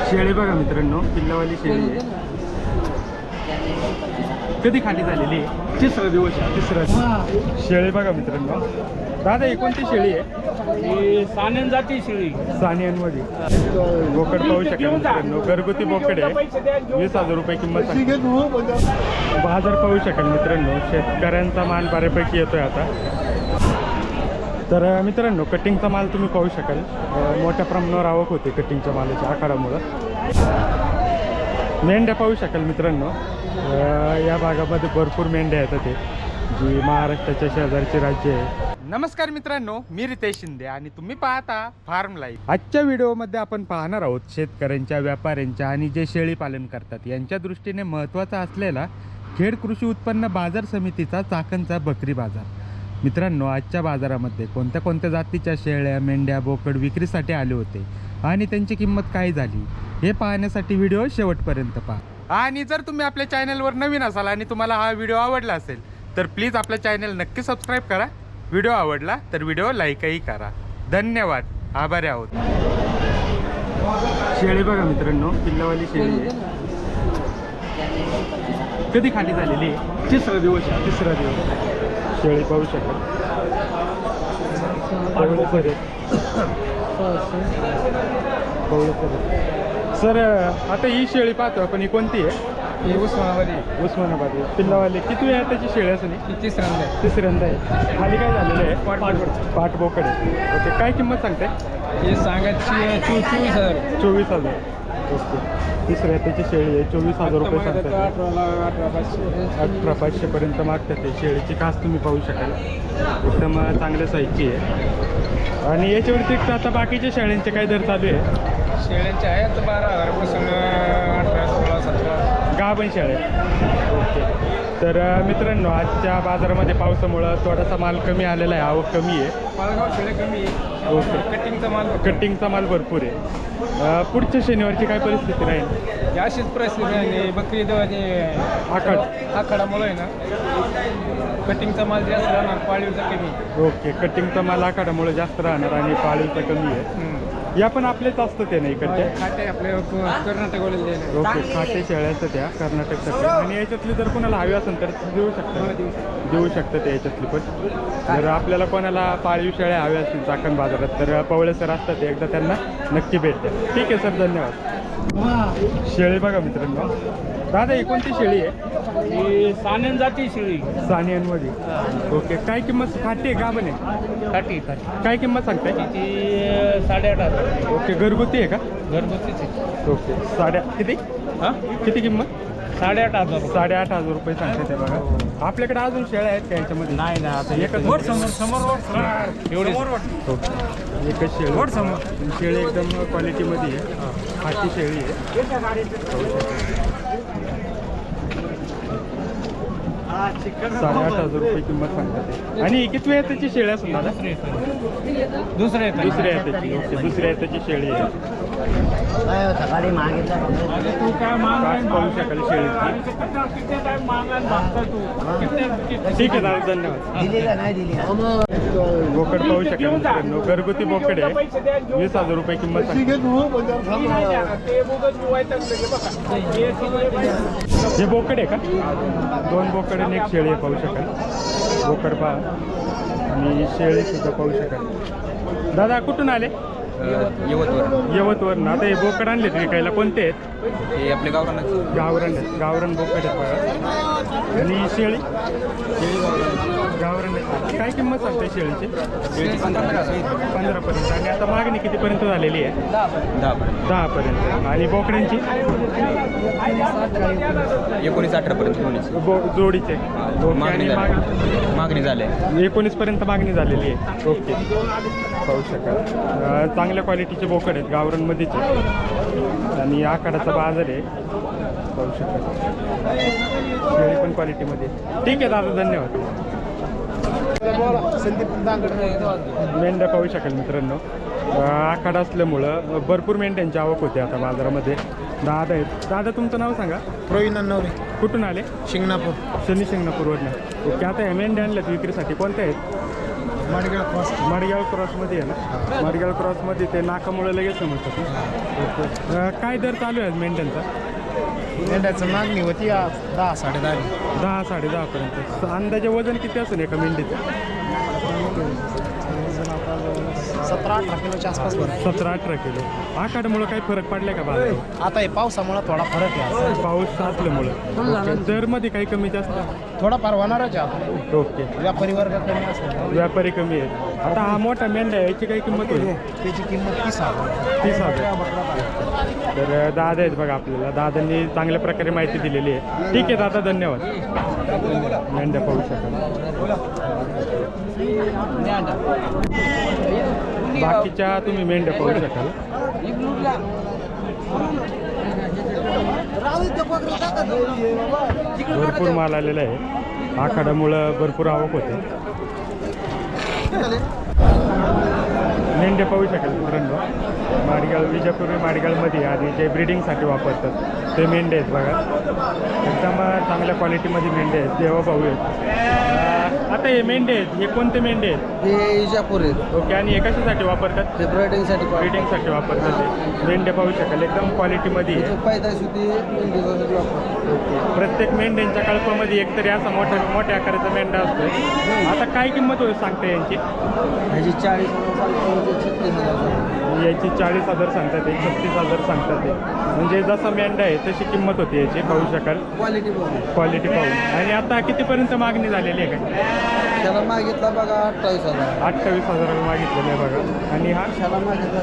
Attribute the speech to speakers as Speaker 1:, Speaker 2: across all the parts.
Speaker 1: शेळी बघा मित्रांनो, पिल्लावाली शेळी आहे. कधी खाली झालेली आहे? तिसरा शेळी बघा मित्रांनो. दादा ही कोणती शेळी आहे?
Speaker 2: सानेन जाती शेळी.
Speaker 1: सानियांमध्ये बोकड पाहू शकाल मित्रांनो. घरगुती बोकड आहे. 20,000 रुपये किंमत सांगते. बाजार पाहू शकाल मित्रांनो. शेतकऱ्यांचा माल बऱ्यापैकी येतोय आता. तर मित्रांनो, कटिंगचा माल तुम्ही पाहू शकाल. मोठ्या प्रमाणावर आवक होते कटिंगच्या मालाच्या आखाडामुळं. मेंढ्या पाहू शकाल मित्रांनो. या भागामध्ये भरपूर मेंढ्या येतात ते, जी महाराष्ट्राच्या शेजारचे राज्य आहे. नमस्कार मित्रांनो, मी रितेश शिंदे आणि तुम्ही पाहता फार्म लाईफ. आजच्या व्हिडिओमध्ये आपण पाहणार आहोत शेतकऱ्यांच्या, व्यापाऱ्यांच्या आणि जे शेळी पालन करतात यांच्या दृष्टीने महत्त्वाचा असलेला खेड कृषी उत्पन्न बाजार समितीचा चाकणचा बकरी बाजार. मित्रांनो, आजच्या बाजारामध्ये कोणत्या कोणत्या जातीच्या शेळ्या, मेंढ्या, बोकड विक्रीसाठी आले होते आणि त्यांची किंमत काय झाली हे पाहण्यासाठी व्हिडिओ शेवटपर्यंत पहा. आणि जर तुम्ही आपल्या चॅनलवर नवीन असाल आणि तुम्हाला हा व्हिडिओ आवडला असेल तर प्लीज आपल्या चॅनल नक्की सबस्क्राईब करा. व्हिडिओ आवडला तर व्हिडिओ लाईकही करा. धन्यवाद, आभारी आहोत. शेळी बघा मित्रांनो, पिल्लावाली शेळी आहे. कधी खाली झालेली आहे? तिसरा दिवस शेळी पाहू शकाल. सर, आता ही शेळी पाहतो आपण, ही कोणती आहे?
Speaker 2: ही
Speaker 1: उस्मानाबादी पिल्लावाली. किती वेळा त्याची शेळी असं नाही? तिसऱ्यांदा आहे. खाली काय झालेलं आहे? पाठ बोकड आहे. ओके, काय किंमत सांगते?
Speaker 2: हे सांगायची 24,000.
Speaker 1: ओके, तिसऱ्या त्याची शेळी आहे. 24,000 रुपये सांगतात. 18,500 पर्यंत मागतात ते. शेळीची कास तुम्ही पाहू शकाल, एकदम चांगल्या साईजची आहे. आणि याच्या व्यतिरिक्त आता बाकीच्या शेळ्यांचे काय दर चालू आहे?
Speaker 2: शेळ्यांचे आहेत 12,000पासून 18, 16, 17
Speaker 1: गाभण शेळ्या. ओके, तर मित्रांनो, आजच्या बाजारामध्ये पावसामुळं थोडासा माल कमी आलेला आहे, आवक कमी आहे.
Speaker 2: मालगाव शेळ्या कमी आहे.
Speaker 1: ओके, कटिंगचा माल भरपूर आहे. पुढच्या शनिवारची काय परिस्थिती राहील?
Speaker 2: अशीच परिस्थिती आहे. बकरी आखाडामुळे आहे ना, कटिंगचा माल जास्त राहणार, पाळीवचा कमी.
Speaker 1: ओके, कटिंगचा माल आखाडामुळे जास्त राहणार आणि पाळीचा कमी आहे. या पण आपलेच असतं ते नाही इकडचे?
Speaker 2: खाटे आपल्या कर्नाटकवाले.
Speaker 1: ओके, खाटे शेळ्या असतात त्या कर्नाटकसाठी. आणि याच्यातली जर कोणाला हवी असेल तर देऊ शकतं ते याच्यातली पण. जर आपल्याला कोणाला पाळीव शेळ्या हव्या असतील चाकण बाजारात तर पवळे सर असतात, एकदा त्यांना नक्की भेट द्या. ठीक आहे सर, धन्यवाद. शेळी बघा मित्रांनो. दादा ही कोणती शेळी आहे?
Speaker 2: ही सानेन जाती शेळी.
Speaker 1: सानियांमध्ये. ओके, काय किंमत? खाटी आहे का बने?
Speaker 2: खाटी.
Speaker 1: काय किंमत सांगताय?
Speaker 2: ती 8,500.
Speaker 1: ओके, घरगुती आहे का?
Speaker 2: घरगुतीच आहे.
Speaker 1: ओके, किती किंमत?
Speaker 2: 8,500.
Speaker 1: 8,500 रुपये सांगते ते बघा. आपल्याकडे अजून शेळ्या आहेत का याच्यामध्ये?
Speaker 2: नाही ना, आता
Speaker 1: एकच
Speaker 2: एवढी
Speaker 1: एकच शेळी. शेळी एकदम क्वालिटीमध्ये आहे. खाटी शेळी आहे. 8,500 रुपये किंमत सांगतात. आणि किती वेळ त्याची शेळी असेल दादा?
Speaker 2: दुसऱ्या
Speaker 1: ओके, दुसऱ्या त्याची शेळी आहे.
Speaker 2: तू काय
Speaker 1: पाहू शकाल शेळीची. ठीक आहे दादा, धन्यवाद. बोकड पाहू शकाल मित्रांनो. घरगुती बोकड आहे. 20,000 रुपये किंमत सांगते. हे बोकड आहे का? 2 बोकड आणि 1 शेळी आहे, पाहू शकाल. बोकड पहा आणि शेळी सुद्धा पाहू शकाल. दादा कुठून आले? यवतवरून. आता हे बोकड आणले विकायला, कोणते आहेत?
Speaker 2: हे आपले
Speaker 1: गावरान बोकड आहेत बघा. आणि शेळी गावरान आहेत. काय किंमत सांगते शेळीची? 15 पर्यंत. आणि आता मागणी कितीपर्यंत झालेली आहे? 10 पर्यंत. आणि बोकड्यांची
Speaker 2: 19-18 पर्यंत
Speaker 1: जोडीचे.
Speaker 2: मागणी झाली.
Speaker 1: 19 पर्यंत मागणी झालेली आहे. ओके, पाहू शकाल. चांगल्या क्वालिटीचे बोकड आहेत, गावरानमध्येच आहे. आणि आखाडाचा बाजार आहे, पाहू शकाल. शेळी पण क्वालिटीमध्ये. ठीक आहे दादा, धन्यवाद. मेंढ्या पाहू शकाल मित्रांनो. आखाडा असल्यामुळं भरपूर मेंढ्यांची आवक होते आता बाजारामध्ये. दादा आहेत. दादा, तुमचं नाव सांगा.
Speaker 3: प्रवीण नवरे.
Speaker 1: कुठून आले?
Speaker 3: शिंगणापूर.
Speaker 1: शिंगणापूरवरनं. ओके, आता ह्या मेंढ्या आणल्यात विक्रीसाठी, कोणत्या आहेत? माडगाव क्रॉसमध्ये आहे ना. माडगाव क्रॉसमध्ये ते नाकामुळे लगेच समजतात ना. ओके. काय दर चालू आहे आज मेंढ्यांचा?
Speaker 2: मेंढ्याचं मागणी होती 10 10.5.
Speaker 1: 10 10.5 पर्यंत. अंदाजे वजन किती असेल एका मेंढीचं?
Speaker 2: 17-18 किलोच्या आसपास भरतो.
Speaker 1: 17-18 किलो. आखाड्यामुळं काही फरक पडलाय का बाजारात?
Speaker 2: आता हे पावसामुळे थोडा फरक आहे.
Speaker 1: पाऊस असल्यामुळं दरमध्ये काही कमी जास्त?
Speaker 2: थोडाफार होणारच आहे.
Speaker 1: ओके.
Speaker 2: व्यापारी वर्ग कमी असतो.
Speaker 1: व्यापारी कमी आहेत. आता हा मोठा मेंढ्या आहे, याची काही किंमत होईल?
Speaker 2: त्याची किंमत 30,000.
Speaker 1: 30,000. तर दादा आहेत बघा आपल्याला. दादांनी चांगल्या प्रकारे माहिती दिलेली आहे. ठीक आहे दादा, धन्यवाद. मेंढ्या पाहू शकाल. बाकीच्या तुम्ही मेंढ्या पाहू शकाल. भरपूर माल आलेला आहे. आखाड्यामुळं भरपूर आवक होते. मेंढ्या पाहू शकाल मित्रांनो. माडगाव, विजापूर माडगावमध्ये आणि जे ब्रिडिंगसाठी वापरतात ते मेंढे आहेत बघा. एकदम चांगल्या क्वालिटीमध्ये मेंढे आहेत. देवाभाऊ आहेत. आता हे मेंढे आहेत, हे कोणते मेंढे आहेत?
Speaker 3: हे इजापूर आहेत.
Speaker 1: ओके. आणि हे कशासाठी वापरतात?
Speaker 3: हे ब्रायडिंगसाठी
Speaker 1: ब्रिडिंगसाठी वापरतात. ते मेंढ्या पाहू शकाल एकदम क्वालिटीमध्ये आहे.
Speaker 3: पैदाशी होती मेंढीसाठी वापरतात.
Speaker 1: प्रत्येक मेंढ्यांच्या कळपामध्ये एकतरी असा मोठ्या आकाराचा मेंढा असतो. आता काय किंमत होईल सांगता यांची?
Speaker 3: ह्याची 40,000
Speaker 1: याची 40,000 सांगतात ते, 36,000 सांगतात ते. म्हणजे जसा मेंढा आहे तशी किंमत होती याची. पाहू शकाल
Speaker 3: क्वालिटी बघून.
Speaker 1: क्वालिटी पाहून. आणि आता कितीपर्यंत मागणी झालेली आहे का?
Speaker 3: त्याला मागितला बघा 28,000.
Speaker 1: 28,000 मागितलेलं आहे बघा. आणि हा
Speaker 3: त्याला मागितला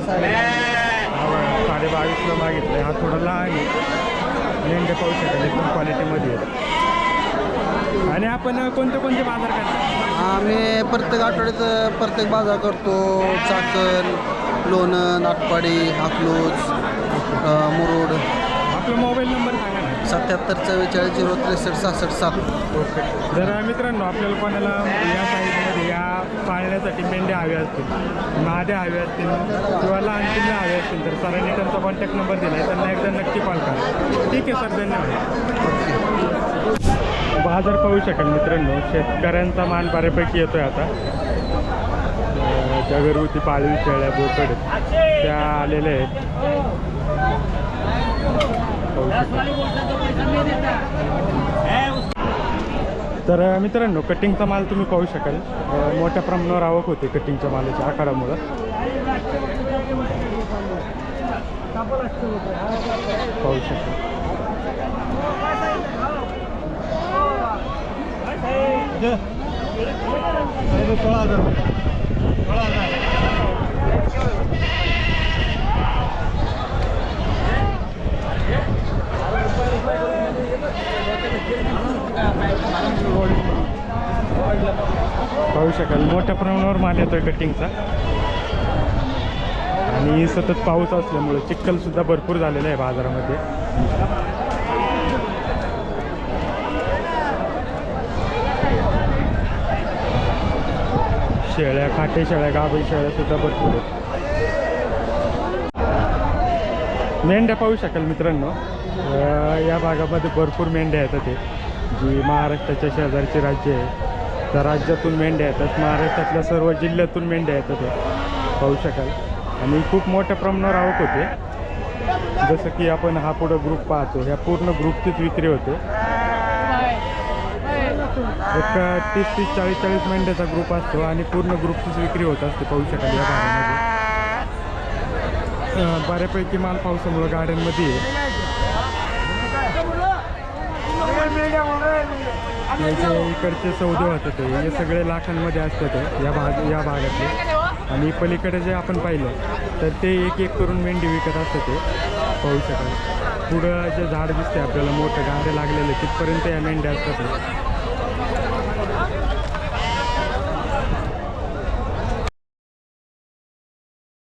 Speaker 1: 22,500 मागितलं आहे. हा थोडा लहान आहे. मेंढे पाहू शकाल एकदम क्वालिटीमध्ये आहे. आणि आपण कोणते बाजार करतो?
Speaker 3: आम्ही प्रत्येक आठवड्यात प्रत्येक बाजार करतो. चाकण, लोणंद, नाटपाडी, अकलूज, मुरुड.
Speaker 1: आपला मोबाईल नंबर सांगा ना.
Speaker 3: 77 44 063 66 7.
Speaker 1: ओके. जर मित्रांनो आपल्याला कोणाला या साईजमध्ये या पाळण्यासाठी मेंढ्या हव्या असतील, माद्या हव्या असतील किंवा लहान पिल्लं हवे असतील तर सरांनी त्यांचा कॉन्टॅक्ट नंबर दिला आहे. त्यांना एकदा नक्की कॉल करा. ठीक आहे सर, धन्यवाद. बाजार पाहू शकाल मित्रांनो. शेतकऱ्यांचा माल बऱ्यापैकी येतोय आता. ज्या घरगुती पाळीव शेळ्या बोकड त्या आलेल्या आहेत. पाहू शकाल. तर मित्रांनो कटिंगचा माल तुम्ही पाहू शकाल. मोठ्या प्रमाणावर आवक होते कटिंगच्या मालाच्या आखाडामुळं. पाहू शकाल. पाहू शकाल मोठ्या प्रमाणावर माल येतोय कटिंगचा. आणि सतत पाऊस असल्यामुळे चिखल सुद्धा भरपूर झालेला आहे बाजारामध्ये. शेळ्या, खाटे शेळ्या, गाभण शेळ्या सुद्धा भरपूर आहेत. मेंढ्या पाहू शकाल मित्रांनो. या भागामध्ये भरपूर मेंढ्या येतात. ते जी महाराष्ट्राच्या शेजारचे राज्य आहे त्या राज्यातून मेंढ्या येतात. महाराष्ट्रातल्या सर्व जिल्ह्यातून मेंढ्या येतात. ते पाहू शकाल. आणि खूप मोठ्या प्रमाणावर आवक होते. जसं की आपण हा पुढं ग्रुप पाहतो, ह्या पूर्ण ग्रुपचीच विक्री होते. एक 30-30 40-40 मेंढ्याचा ग्रुप असतो आणि पूर्ण ग्रुपचीच विक्री होत असते. पाहू शकाल या भागामध्ये बऱ्यापैकी माल पावसामुळं गाड्यांमध्ये आहे. इकडचे सौदे होतात हे सगळे लाखांमध्ये असतात या भागातले. आणि पलीकडे जे आपण पाहिलं तर ते एक एक करून मेंढी विकत असतात. ते पाहू शकाल. पुढं जे झाड दिसते आपल्याला मोठं गाड्या लागलेले तिथपर्यंत या मेंढ्या असतात.